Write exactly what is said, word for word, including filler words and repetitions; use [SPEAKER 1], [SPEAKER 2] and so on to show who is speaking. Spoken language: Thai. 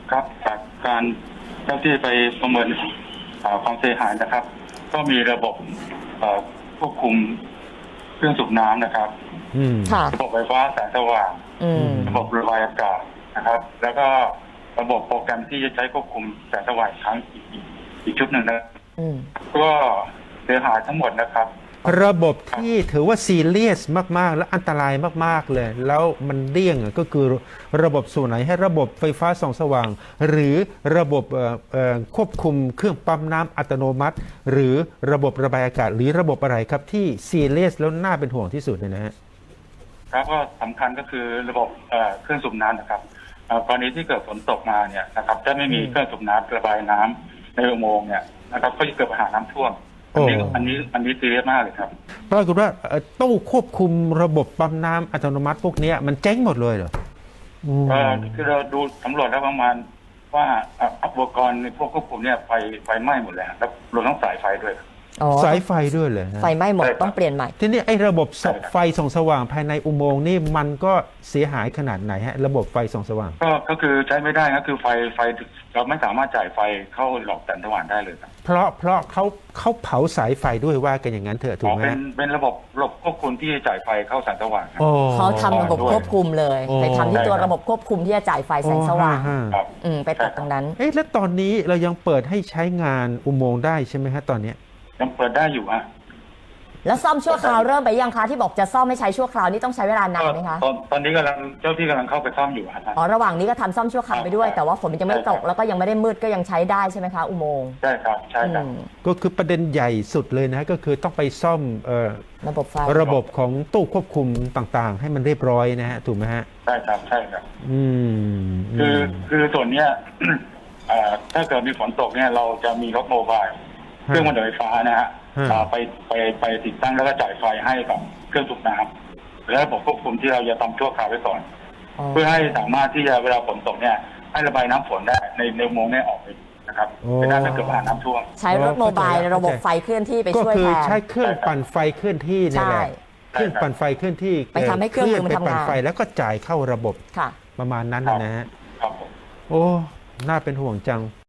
[SPEAKER 1] ครับจากการเจ้าที่ไปประเมินความเสียหายนะครับก็มีระบบควบคุมเครื่องสูบน้ำนะครับระบบไฟฟ้าแสงสว่างระบบระบายอากาศนะครับแล้วก็ระบบโปรแกรมที่จะใช้ควบคุมแสงสว่างทั้งอีกอีกชุดหนึ่งนะก็เสียหายทั้งหมดนะครับ
[SPEAKER 2] ระบบที่ถือว่าซีเรียสมากๆและอันตรายมากๆเลยแล้วมันเลี่ยงก็คือระบบส่วนไหนให้ระบบไฟฟ้าส่องสว่างหรือระบบควบคุมเครื่องปั๊มน้ำอัตโนมัติหรือระบบระบายอากาศหรือระบบอะไรครับที่ซีเรียสแล้วน่าเป็นห่วงที่สุดเนี่ยนะฮะ
[SPEAKER 1] ครับก็สำคัญก็คือระบบเครื่องสูบน้ำนะครับกรณีที่เกิดฝนตกมาเนี่ยนะครับถ้าไม่มีเครื่องสูบน้ำระบายน้ำในอุโมงค์เนี่ยนะครับก็จะเกิดปัญหาน้ำท่วมอันนี้อันนี้อันนี้ซีเรียสมากเลยครับ
[SPEAKER 2] ปรากฏว่าตู้ควบคุมระบบปั๊มน้ำอัตโนมัติพวกนี้มันเจ๊งหมดเลยเหรอ
[SPEAKER 1] เออคือเราดูสำรวจแล้วประมาณว่าอุปกรณ์ในพวกควบคุมเนี่ยไฟไฟไหม้หมดแล้วแล้วรวมทั้งสายไฟด้วย
[SPEAKER 2] สายไฟด้วยเลย
[SPEAKER 3] ไฟไหม้หมดต้องเปลี่ยนใหม่
[SPEAKER 2] ทีนี้ไอ้ระบบไฟส่องสว่างภายในอุโมงค์นี่มันก็เสียหายขนาดไหนฮะระบบไฟส่องสว่าง
[SPEAKER 1] ก็ก็คือใช้ไม่ได้ก็คือไฟไฟเราไม่สามารถจ่ายไฟเข้าหลอดแสงสว่างได้เลยครับ
[SPEAKER 2] เพราะเพราะเขาเขาเผาสายไฟด้วยว่ากันอย่างนั้นเถอะถูกไหม
[SPEAKER 1] เป็นเป็นระบบระบบควบคุมที่จะจ่ายไฟเข้าแสงสว่าง
[SPEAKER 3] เขาทำระบบควบคุมเลยไปทำที่ตัวระบบควบคุมที่จะจ่ายไฟแสงสว่างอืมไปตัดตรงนั้น
[SPEAKER 2] เอ๊ะแล้วตอนนี้เรายังเปิดให้ใช้งานอุโมงค์ได้ใช่ไหมฮะตอนนี้
[SPEAKER 1] ยังเปิดได้อยู่ฮะ
[SPEAKER 3] แล้วซ่อมชั่วคราวเริ่มไปยังคะที่บอกจะซ่อมไม่ใช้ชั่วคราวนี่ต้องใช้เวลานานไหมคะ
[SPEAKER 1] ตอนตอนนี้กำลังเจ้าที่กำลังเข้าไปซ่อมอยู่ครับ
[SPEAKER 3] อ๋อระหว่างนี้ก็ทำซ่อมชั่วคราวไปด้วยแต่ว่าฝนมันยังไม่ตกแล้วก็ยังไม่ได้มืดก็ยังใช้ได้ใช่ไหมคะอุโมงค์
[SPEAKER 1] ใช่ครับใช่ครับ
[SPEAKER 2] ก็คือประเด็นใหญ่สุดเลยนะก็คือต้องไปซ่อม
[SPEAKER 3] ระบบไฟ
[SPEAKER 2] ระบบของตู้ควบคุมต่างๆให้มันเรียบร้อยนะฮะถูกไหมฮะ
[SPEAKER 1] ใช่ครับใช่ครับ
[SPEAKER 2] อืม
[SPEAKER 1] คือคือส่วนเนี้ยถ้าเกิดมีฝนตกเนี่ยเราจะมีรถโมบายเครื่องมันไฟฟ้านะฮะไปไปไปติดตั้งแล้วก็จ่ายไฟให้กับเครื่องสูบน้ำและระบบควบคุมที่เราจะทำชั่วคราวไว้ก่อนเพื่อให้สามารถที่จะเวลาฝนตกเนี่ยให้ระบายน้ำฝนได้ในในอุโมงค์นี้ออกไปนะครับไม่ได้ถ้าเกิดปัญหาน้ำท่วม
[SPEAKER 3] ใช้รถโมบายระบบไฟเคลื่อนที่ไปช่วยแทน
[SPEAKER 2] ก็คือใช้เครื่องปั่นไฟเคลื่อนที่นี่แหละเครื่องปั่นไฟเคลื่อนที่
[SPEAKER 3] ไปทำให้เครื่องมันทำงาน
[SPEAKER 2] ไฟแล้วก็จ่ายเข้าระบบประมาณนั้นนะฮะโอ้น่าเป็นห่วงจัง